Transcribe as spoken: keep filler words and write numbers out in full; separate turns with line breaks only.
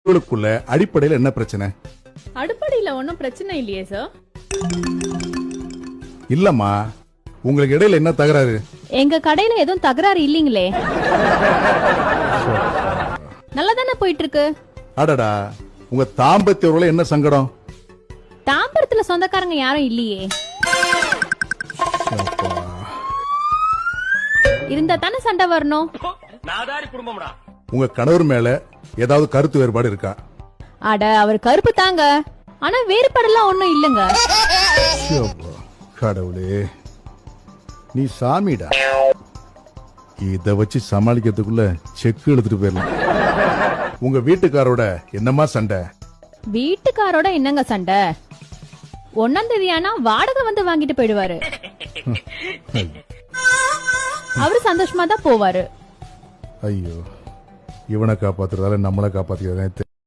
உங்களுக்குள்ள அடிப்படையில என்ன பிரச்சனை?
அடிப்படையில ஒன்னும் பிரச்சனை இல்லையே சார்.
இல்லம்மா, உங்களுக்கு இடையில என்ன தகராறு?
எங்க கடையில எதுவும் தகராறு இல்லீங்களே. நல்லா தானே போயிட்டு இருக்கு.
அடடா, உங்க தாம்பத்திய உறவுல என்ன சங்கடம்?
தாம்பரத்துல சொந்தக்காரங்க யாரும் இல்லையே. இருந்தா தானே சண்டை வரணும்.
உங்க கணவர் மேல ஏதாவது கருத்து வேறுபாடு இருக்கா?
அட, அவர் கருப்பு தாங்க, ஆனா வேறுபாடெல்லாம் ஒண்ணும் இல்லங்க.
கடவுளே, நீ சாமிடா. இத வச்சு சமாளிக்கிறதுக்குள்ள செக்கு எடுத்துட்டு போயிடலாம். உங்க வீட்டுக்காரோட என்னமா சண்டை?
வீட்டுக்காரோட என்னங்க சண்டை? ஒன்னாம் தேதி ஆனா வாடகை வந்து வாங்கிட்டு போயிடுவாரு. அவரு சந்தோஷமா தான் போவாரு.
ஐயோ, இவனை காப்பாத்துறதால நம்மளை காப்பாத்திக்கிறதே